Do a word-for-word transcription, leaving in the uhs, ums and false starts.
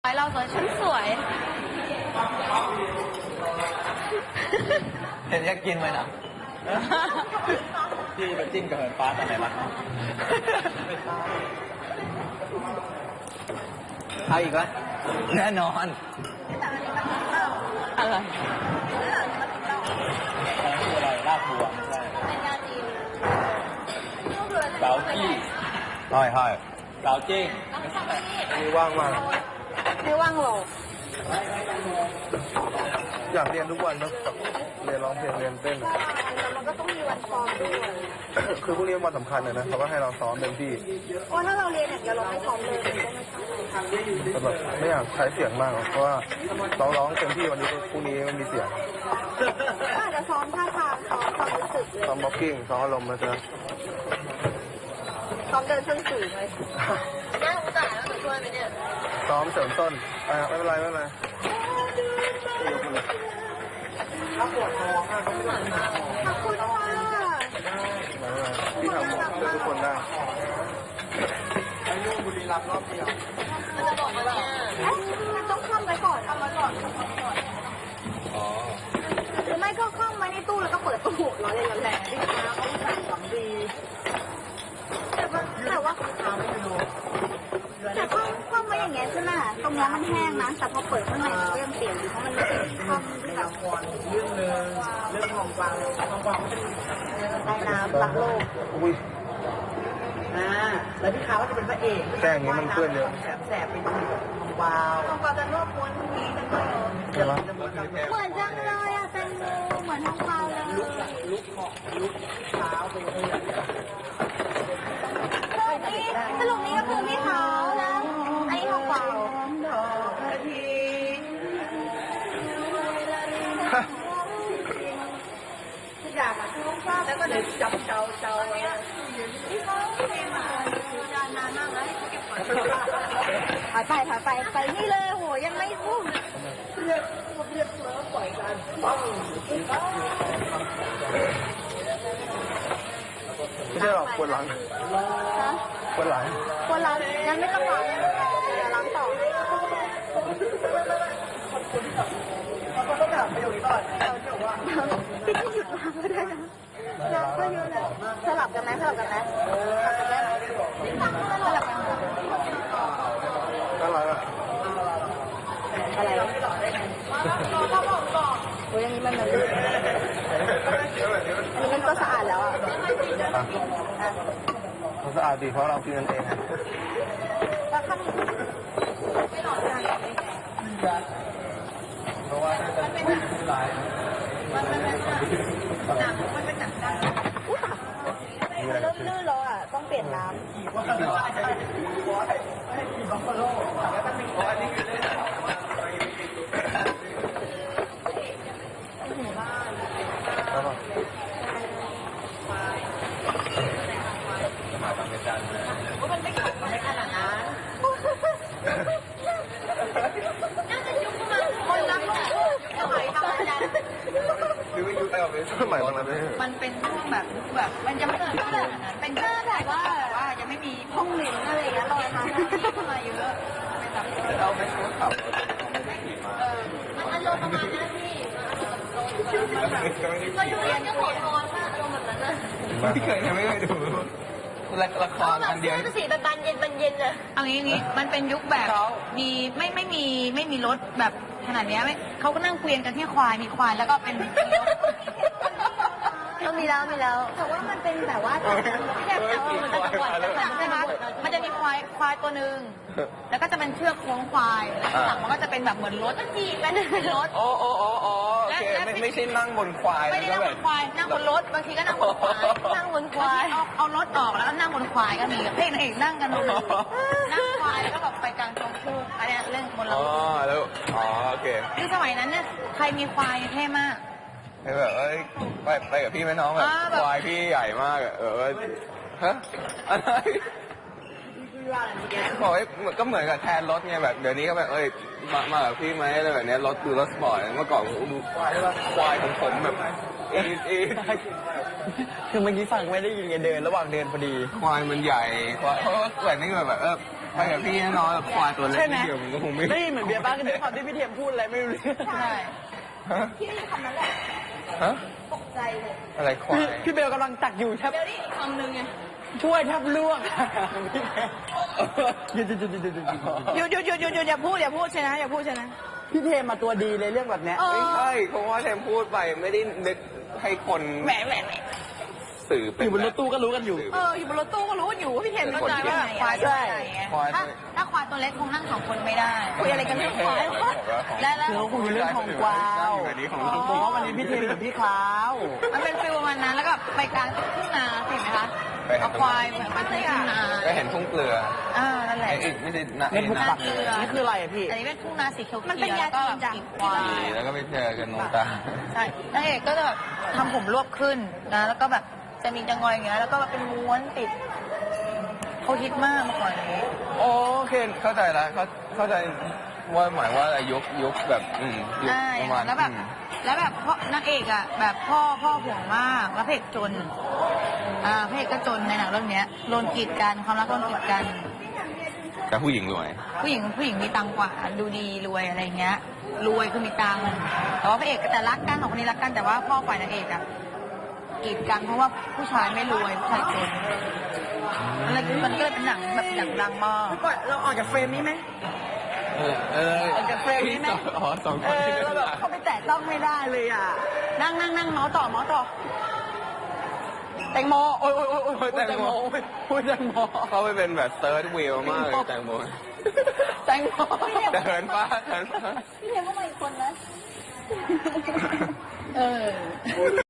เราสวยฉันสวยเห็นอยากกินไหมนะพี่ไปจิ้มกับเหินฟ้าตอนไหนล่ะเอาอีกแล้วแน่นอนอะไรอะไรคืออะไรลาบบัวไม่ใช่เกาจี้ใช่ใช่เกาจี้มีว่างมากไม่ว่างหรอกอยากเรียนทุกวันนะเรียนร้องเพลงเรียนเต้นแต่มันก็ต้องมีวันซ้อมด้วยคือพวกนี้วันสำคัญเลยนะเขาก็ให้เราซ้อมเต็มที่เพราะถ้าเราเรียนอย่างเดียวเราไม่ซ้อมเลยมันก็ไม่ใช่แต่แบบไม่อยากใช้เสียงมากหรอกเพราะว่าเราร้องเต็มที่วันนี้พรุ่งนี้มันมีเสียงก็อาจจะซ้อมท่าทางซ้อมความรู้สึกเลยซ้อมบ็อกกิ้งซ้อมอารมณ์นะจ๊ะซ้อมเดินส้นสูงเลยน่าสงสารแล้วหนูช่วยไหมเนี่ยซ้อมเสริมต้นอ่าไม่เป็นไรไม่เป็นไรขอบคุณค่ะที่ทำเพื่อทุกคนได้บุรีรัมย์รอบเดียวมันจะบอกอะไรอ่ะเอ๊ะมันต้องคล่อมไว้ก่อนคล่อมไว้ก่อนคล่อมไว้ก่อนอ๋อหรือไม่ก็คล่อมไว้ในตู้แล้วก็เปิดตู้ล้อเล่นล้อแหล่ที่นะเขาใส่ของดีแต่ว่าแต่ว่าแต่คล่อมคล่อมไว้อย่างเงี้ยใช่ไหมตรงเนี้ยมันแห้งนะแต่พอเปิดข้างในมันก็ยังเปียกอยู่เพราะมันไม่ได้คล่อมที่แบบเรื่องหนึ่งเรื่องของกวางของกวางเป็นใต้น้ำรักโลกอุ้ยอ่าแล้วพี่ขาวก็จะเป็นพระเอกแป้งอย่างนี้มันเปื้อนเยอะแสบแสบเป็นของวาวของกวางจะรวบม้วนทีจังเลยใช่ไหมเหมือนจังเลยอะแตงโมเหมือนทองคำเลยลุกของลุกเท้าเป็นเรื่องสรุปนี้ก็คือพี่ขาวนะอันนี้ทองกวางดอกกระทีทุกอย่างอ่ะทุกอย่างแล้วก็เดี๋ยวจับเจ้าเจ้าไว้พี่เขาเพลงมาจานนานมากแล้วเก็บไว้ถอยไปถอยไปไปนี่เลยโหยังไม่พูดเรียกเรียกแล้วปล่อยกันปังไม่ใช่หรอกปวดหลังนะปวดหลังคนล้างงั้นไม่ต้องล้างเดี๋ยวล้างต่อเขาก็ต้องถามประโยคนี้ก่อนเราจะบอกว่าพี่จะหยุดล้างก็ได้นะล้างก็เยอะแล้วสลับกันไหมสลับกันไหมสลับกันไหมสลับกันน่ารักอ่ะอะไรโอ้ยอย่างนี้มันมันลื่นอันนี้มันก็สะอาดแล้วอ่ะเขาสะอาดดีเพราะเรากินกันเองแล้วข้างไม่หลอดกันเพราะว่าถ้าจะเป็นหลายมันเป็นหนักมันเป็นหนักดันอุ้ยมันเริ่มลื่นแล้วอ่ะต้องเปลี่ยนน้ำแล้วก็มันไม่ขัดมันไม่ขนาดนั้นน่าจะยุบมาคนรักลูกสมัยทำงานหรือว่าอยู่แต่แบบสมัยบางนั้นไม่ใช่มันเป็นช่วงแบบแบบมันยังไม่เกิดขนาดนั้นเป็นแค่แบบว่าแบบว่ายังไม่มีห้องเรียนอะไรอย่างเงี้ยลอยมาที่มาเยอะเป็นแบบเราไม่รู้ขับเออมันอารมณ์ประมาณนั้นพี่เราอยู่เรียนก็ขอพรว่าอารมณ์แบบนั้นนะไม่เคยยังไม่เคยดูละละครอันเดียวก็สีแบบบานเย็นบานเย็นเลยเอางี้งี้มันเป็นยุคแบบมีไม่ไม่มีไม่มีรถแบบขนาดเนี้ยไม่เขาก็นั่งเกวียนกันที่ควายมีควายแล้วก็เป็นมีรถก็มีแล้วมีแล้วแต่ว่ามันเป็นแบบว่าแบบแต่ว่ามันจะปวดหลังใช่ไหมมันจะมีควายควายตัวหนึ่งแล้วก็จะเป็นเชือกโค้งควายแล้วข้างหลังมันก็จะเป็นแบบเหมือนรถขี่เป็นเป็นรถโอ้โอ้โอ้โอ้โอเคไม่ไม่ใช่นั่งบนควายไม่ได้นั่งบนควายนั่งบนรถบางทีก็นั่งบนควายนั่งบนควายเอาเอารถออกแล้วก็นั่งบนควายก็มีเพลงนางเอกนั่งกันบนนั่งควายแล้วก็แบบไปกลางตรงทุ่งอันเนี้ยเรื่องบนรอ๋อถแล้วอ๋อโอเคคือสมัยนั้นเนี่ยใครมีควายเท่มากแบบเอ้ยไปไปกับพี่ไหมน้องแบบอ่าแบบควายพี่ใหญ่มากอะเออฮะอะไรบอกว่าก็เหมือนกับแทนรถไงแบบเดี๋ยวนี้ก็แบบเอ้ยมามากับพี่ไหมอะไรแบบเนี้ยรถดูรถสปอร์ตเมื่อก่อนผมดูควายควายของผมแบบเอเอคือเมื่อกี้ฟังไม่ได้ยินไงเดินระหว่างเดินพอดีควายมันใหญ่ควายเพราะว่าแบบนี้แบบเออไปกับพี่แน่นอนแบบควายตัวเล็กใช่ไหมนิดเดียวมันก็คงไม่ได้ยินเหมือนเบียร์บ้างด้วยความที่พี่เทียมพูดอะไรไม่รู้เรื่องใช่ฮะพี่คำนั้นแหละฮะตกใจเลยอะไรควายพี่พี่เบลกำลังตักอยู่แทบเดี๋ยวนี้คำนึงไงช่วยแทบลวกพี่เบลหยุดหยุดหยุดหยุดหยุดหยุดหยุดหยุดหยุดหยุดหยุดอย่าพูดอย่าพูดใช่นะอย่าพูดใช่นะพี่เทมมาตัวดีเลยเรื่องแบบเนี้ยไม่ใช่เพราะว่าแทมพูดไปไม่ได้นึกให้คนแหมแหมแหมสื่อเป็อน ยู่บนรถตู้ก็รู้กันอยู่เอออยู่บนรถตู้ก็รู้อยู่ว่าพี่เทมเข้าใจว่าควายตัวไหนไงควายถ้าถ้าควายตัวเล็กคงนั่งสองคนไม่ได้คุยอะไรกันเรื่องควายและแล้วคือเขาคุยเรื่องทองกวาวอยู่ในนี้ของอ๋ลูกอวันนี้พี่เทมกับพี่คราวมันเป็นฟิลประมาณนั้นแล้วก็ไปกลางทุ่งนาเห็นไหมคะเอาควายเหมือนไปทุ่งนาก็เห็นทุ่งเกลืออ่านั่นแหละไอ้อีกไม่ได้นะเม็ดบุกปักเกลือนี่คืออะไรอะพี่อันนี้เป็นทุ่งนาสีเขียวๆมันเป็นยาแล้วก็จีนจ้ะมีควายแล้วก็ไปเจอกันนงตาใช่นางเอกก็จะแบบทำผมรวบขึ้นนะแล้วก็แบบจะมีจังงอยอย่างเงี้ยแล้วก็แบบเป็นม้วนติดเขาฮิตมากเมื่อก่อนนี้โอเคเข้าใจแล้วเข้าเข้าใจว่าหมายว่าอะไรยุคยุคแบบอืมยุคอ่าประมาณแล้วแบบอืมแล้วแบบพ่อนางเอกอ่ะแบบพ่อพ่อห่วงมากแล้วพระเอกจนอ่าพระเอกก็จนในหนังเรื่องเนี้ยโดนกีดกันความรักโดนกีดกันแต่ผู้หญิงรวยผู้หญิงผู้หญิงมีตังค์กว่าดูดีรวยอะไรเงี้ย รวยคือมีตังค์แต่ว่าพระเอกแต่รักกันสองคนนี้รักกันแต่ว่าพ่อฝ่ายนางเอกอะกีดกันเพราะว่าผู้ชายไม่รวยผู้ชายจนอะไรมันก็เลยเป็นหนังแบบหนังดังมากก่อนเราออกจากเฟรมนี้ไหมเออเออเอาจากเฟรมนี้ไหมอ๋อสองคเอน อที่เราเล่นแบบหนังเขาไปแตะต้องไม่ได้เลยอ่ะนั่งนั่งนั่งเมาส์ต่อเมาส์ต่อแตงโมโอ้ยโอ้ยโอ้ยโอ้ยแตงโมโอ้ยแตงโมเขาไปเป็นแบบเซิร์ชวิวมากเลยแตงโมแตงโมเดินป้าเดินป้าพี่เทมก็มาอีกคนนะเออ